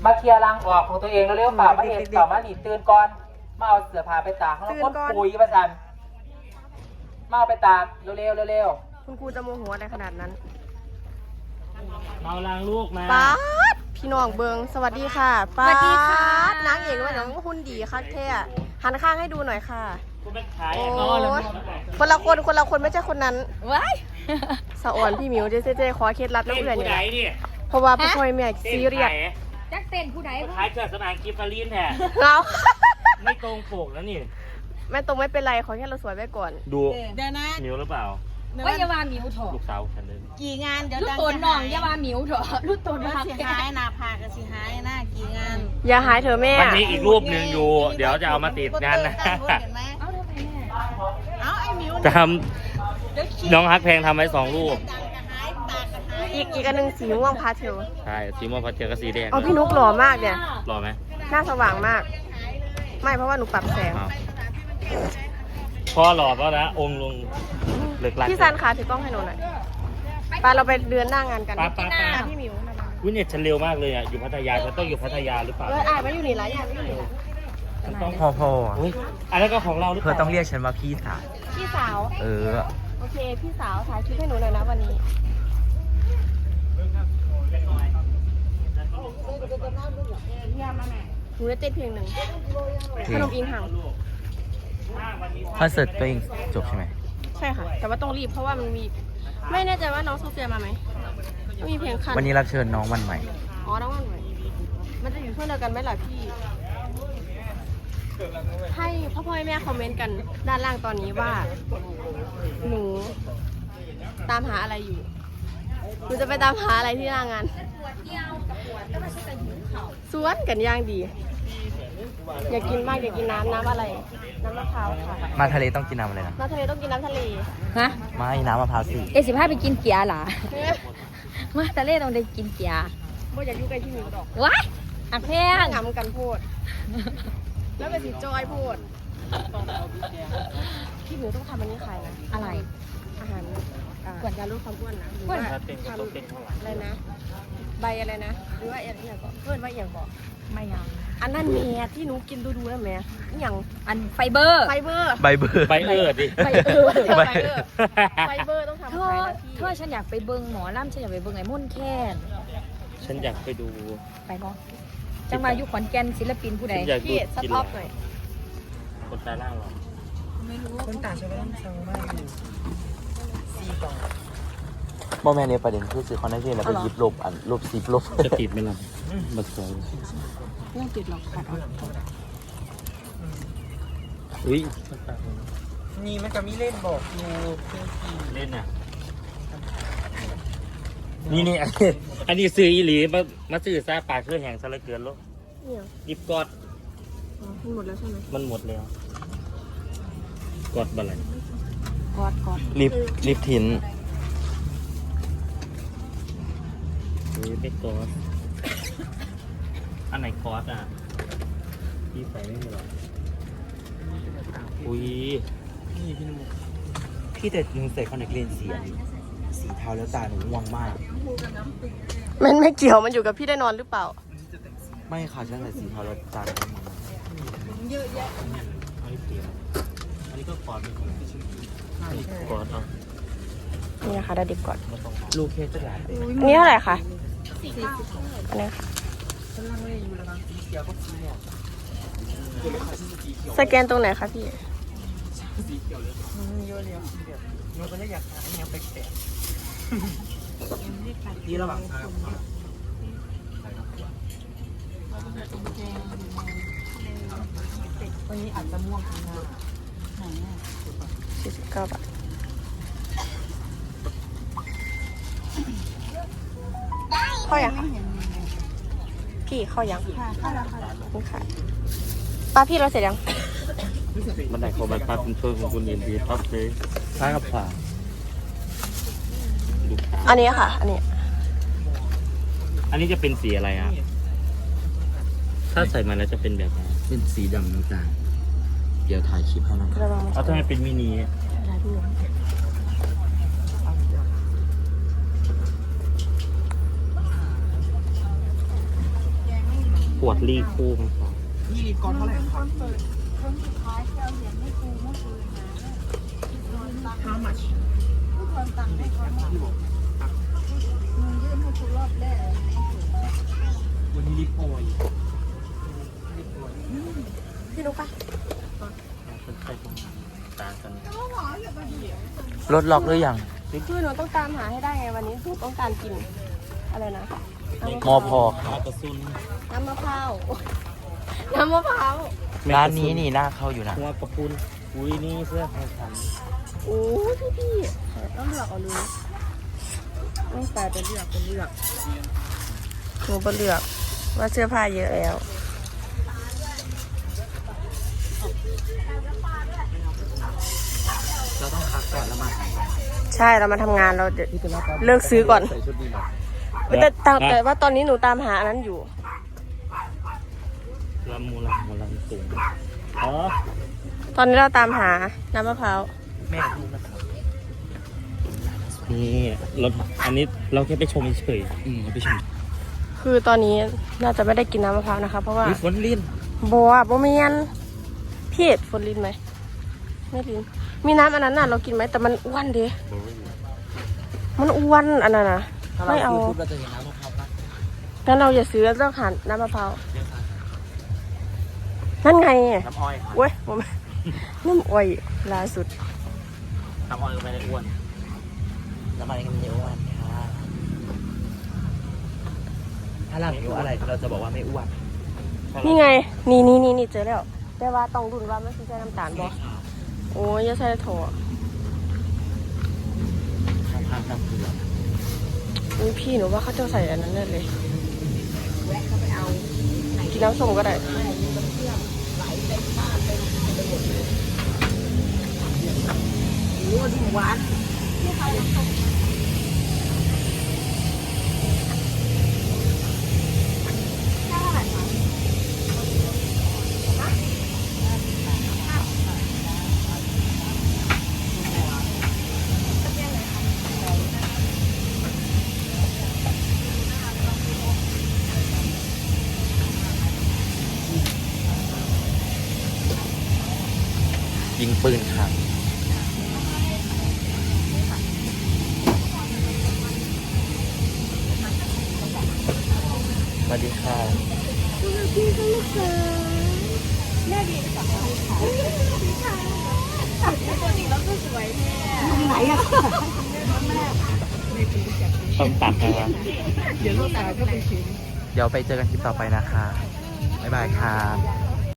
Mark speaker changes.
Speaker 1: มาเคลียร์รังออกของตัวเองเร็วๆเปล่ามาเห็นเปล่ามาหนีตื่นก่อนมาเอาเสื้อผ้าไปตากแล้วก็ปุ๋ยประจันมาเอาไปตากเร็ว
Speaker 2: คุณครูจะโมโหอะไรขนาดนั้น
Speaker 3: เมาล้างลูกมา
Speaker 2: ป๊าดพี่น้องเบิงสวัสดีค่ะป๊าดนางเอกว่าน้องหุ่นดีคักแท้หันข้างให้ดูหน่อยค่ะโอ้คนละคนไม่ใช่คนนั้นว้ายสะอ่อนพี่มิวเจ๊ขอเคล็ดลับแล้วเพื่อนเนี่ยเพราะว่าพ่อแม่ซีเรียส
Speaker 4: จักเต้นผู้ใด
Speaker 3: ขายเกิดสนามกิฟฟารีนแท้
Speaker 2: เรา
Speaker 3: ไม่ตรงปกแล้วนี่
Speaker 2: ไม่ตรงไม่เป็นไรขอแค่เราสวยไว้ก่อน
Speaker 3: ดูเดี๋ยวนะมิวหรือเปล่า
Speaker 4: ว่าอย่าว่ามิวเถอะ
Speaker 3: ลูกสาวฉันเลย
Speaker 4: กี่งานเดี๋ยวลูกตัวน้องอย่าว่ามิวเถอะลูกตัวน้อง
Speaker 5: สิหายหน้าผากก็สิหายหน้ากี่งาน
Speaker 2: อย่าหายเถอะแม่
Speaker 3: มันมีอีกรูปหนึ่งอยู่เดี๋ยวจะเอามาติดงานนะ
Speaker 5: เอาไอ้มิว
Speaker 3: ทำน้องฮักแพงทำไว้2 รูป
Speaker 2: อีกอันนึงสีม่วงพาเทล
Speaker 3: ใช่สีม่วงพาเทลกับสีแดง
Speaker 2: เอาพี่นุ๊กหล่อมากเนี่ย
Speaker 3: หล่อไหม
Speaker 2: หน้าสว่างมากไม่เพราะว่าหนูปรับแสง
Speaker 3: พอหล่อแล้วนะองค์ลงเลิกลัก
Speaker 2: พี่ซันขาถือกล้องให้หนูหน่อยไปเราไปเดือนหน้างานกันพี่มิว
Speaker 3: วินเน็ตฉันเร็วมากเลยอ่ะอยู่พัทยาฉันต้องอยู่พัทยาหรือเปล่า
Speaker 2: ไม่อยู่นี่หลายอย่างไม่อยู่นี่
Speaker 3: ฉันต้องพออันนั้นก็ของเราหรือเปล่า
Speaker 1: เธอต้องเรียกฉันว่าพี่สาว
Speaker 2: โอเคพี่สาวถ่ายคลิปให้หนูหน่อยนะวันนี้หนูจะเต้นเพลงหนึ่งขนมอิงห่าง
Speaker 1: คอนเสิร์ตตัวเองจบใช่ไหม
Speaker 2: ใช่ค่ะแต่ว่าต้องรีบเพราะว่ามันมีไม่แน่ใจว่าน้องโซเฟียมาไหมมีเพลงคัน
Speaker 1: วันนี้รับเชิญน้องวันใหม่
Speaker 2: น้องวันใหม่มันจะอยู่ช่วงเดียวกันไหมล่ะพี่ให้พ่อแม่คอมเมนต์กันด้านล่างตอนนี้ว่าหนูตามหาอะไรอยู่หนูจะไปตามหาอะไรที่หน้างานสวนกันย่างดีอยากกินมากอยากกินน้ำอะไรน้ำมะพร้าวค่ะ
Speaker 1: มาทะเลต้องกินน้ำอะไรนะ
Speaker 2: น้ำทะเลต้องกินน้ำทะเล
Speaker 4: ฮะ
Speaker 1: ไม่น้ำมะพร้าวสิ
Speaker 4: 15ไปกินเกียร์หรอมาทะเลต้องได้กินเกียร์
Speaker 2: บ่อยากอยู่ใกล้ที่มิวดอก
Speaker 4: ว้ายอักแพง
Speaker 2: งำกันโพดแล้วเป็นสีจอยโพดพี่มิวต้องทำอันนี้ขายนะ
Speaker 4: อะไร
Speaker 2: อาหารกวนยาลดความอ้วนนะหรือว่าอะไรนะใบอะไรนะหรือว่าอย่างก่อนเพื่อนว่าอย่างก่อน
Speaker 4: ไม่ยัง
Speaker 2: อันนั้นแม่ที่หนูกินดูนะแม่อย่าง
Speaker 4: อันไฟเบอร์
Speaker 3: ดิไฟเบอร์
Speaker 2: ต้องทำ
Speaker 4: เธอฉันอยากไปเบิ้งหมอล่ำฉันอยากไปเบิ้งไอ้มุ่นแค่
Speaker 3: ฉันอยากไปดู
Speaker 4: ไปบ่จังมาอยู่ขอนแก่นศิลปินผู้ใด
Speaker 2: พี่สต็อปหน่อย
Speaker 3: คนตาล่างหรอ
Speaker 5: ไม่รู้คนตาใช่ไหมต้องสั่งมากอยู่4 กล่อง
Speaker 1: บอแม่ในประเด็นคือซื้อคอนเทนต์แล้วไปยิบลบ10 ลบ
Speaker 3: จะติดไหมล่ะบัตรสวย
Speaker 2: ไม่ติดหรอกค่ะ
Speaker 3: อุ้ย
Speaker 5: นี่มันจะมีเล่นบอกอยู่
Speaker 3: เล่นอ่ะนี่อันนี้ซื้ออีหลีมาซื้อซาปากเพื่อแห่งซะเลยเกินลูกยิบกอด
Speaker 2: มันหมดแล้วใช่ไหม
Speaker 3: มันหมดแล้วกอดบัลลัง
Speaker 2: กอด
Speaker 1: ลิฟทิน
Speaker 3: ไม่กอดอันไหนกอดอ่ะพี่ใส่ไม่หรออุ้ย
Speaker 1: พี่แต่หนูใส่คอนแทคเลนส์สีเทาแล้วตาหนูง่วงมาก
Speaker 2: มันไม่เกี่ยวมันอยู่กับพี่ได้นอนหรือเปล่า
Speaker 1: ไม่ค่ะฉันใส่สีเทาแล้วตาหนูง่วง
Speaker 5: เยอะแยะ
Speaker 3: อันนี้ก็กอดกอด
Speaker 2: นี่นะคะได้ดิบก่อน
Speaker 1: ลูกเคสจะหลาย
Speaker 2: นี่เท่าไหร่คะอันนี้ค่ะสแกนตรงไหนคะพี่
Speaker 5: เยอะเลยมันก็เลยอยากหาแนวแปลกๆ
Speaker 1: นี่ระหว่าง
Speaker 5: วันนี้อาจจะม่วงข้างหน้า
Speaker 2: 49 บาทเข้ายังพี่เข้ายัง
Speaker 5: เข้าแล้ว
Speaker 2: ค่ะป้าพี่เราเสร็จยัง
Speaker 3: มันไหนของมันพักเป็นช่วยของคุณเอ็นดีพักเลยท้ายกับฝา
Speaker 2: อันนี้ค่ะอัน
Speaker 3: นี้จะเป็นสีอะไรอ่ะถ้าใส่มาแล้วจะเป็นแบบ
Speaker 1: เป็นสีดำน้ำตาลเดี๋ยวถ่ายคลิปให้นะ
Speaker 3: เอาทำไมเป็นมินิปวดรีคูมค่ะ
Speaker 5: นี่ลิปกอนเท่าไหร่ครับ How much วันนี้ลิปโอย
Speaker 2: พี่นุ๊กปะ
Speaker 3: คนใส่ตรงตากัน
Speaker 1: รถล็อกหรือยัง
Speaker 2: คือหนูต้องตามหาให้ได้ไงวันนี้หนูต้องการกินอะไรนะ
Speaker 1: มอพอ
Speaker 3: ตากระซุน
Speaker 2: น้ำมะพร้าวน้ำมะพร้าว
Speaker 1: ร้านนี้นี่น่าเข้าอยู่นะ
Speaker 3: หัวกระปุนอุ้ยนี่เสื้อไทยทัน
Speaker 2: โอ้พี่ต้องเลือกเอาเลยต้องแต่จะเลือกเป็นเลือกหนูเป็นเลือกว่าเสื้อผ้าเยอะแล้ว
Speaker 5: เราต้องพักก่อนแล้วมา
Speaker 2: ใช่เรามาทำงานเราจะเลิกซื้อก่อน
Speaker 5: ใส่ชุดดีหน่อย
Speaker 2: แต่ว่าตอนนี้หนูตามหาอันนั้นอยู่
Speaker 3: ลำมูลำสูงอ๋อ
Speaker 2: ตอนนี้เราตามหาน้ำมะพร้าว
Speaker 1: แม่ดูนะครับ
Speaker 3: นี่รถอันนี้เราแค่ไปชมเฉย
Speaker 1: ไปชม
Speaker 2: คือตอนนี้น่าจะไม่ได้กินน้ำมะพร้าวนะคะเพราะว่า
Speaker 3: ฝนลิ้น
Speaker 2: บัวบ่เมียนพี่เอ็ดฝนลิ้นไหมไม่ลิ้นมีน้ำอันนั้นน่ะเรากินไหมแต่มันอ้วนดิมันอ้วนอันนั้นนะไม่เอา
Speaker 5: ปุ๊บเราจะเห็นน้ำมะพร้าวปะ
Speaker 2: งั้นเราอย่าซื้อเราหาน้ำมะพร้าวนั่นไง
Speaker 3: น้ำอ้อยค่ะ
Speaker 2: เว้ยผมน้ำอ้อยล่าสุด
Speaker 3: น้ำอ้อยก็ไม่ได้อ้วน
Speaker 1: น้ำมันกันเยอะวันค่ะถ้าเราหิวอะไรเราจะบอกว่าไม่อ้วน
Speaker 2: นี่ไงนี่เจอแล้วแต่ว่าต้องรุ่นว่ามันคือใช้น้ำตาลบ่โอ้ยอย่าใส่ถั่ว
Speaker 3: ทางน้ำเกลือ
Speaker 2: อุ้ยพี่หนูว่าเขาจะใส่อันนั้นแน่เลยกินน้ำส้มก็ได้
Speaker 1: ยิงปืนค่ะสวัสดีค่ะ
Speaker 3: ต้มตับนะครับ
Speaker 1: เดี๋ยวไปเจอกันคลิปต่อไปนะคะ บ๊ายบายค่ะ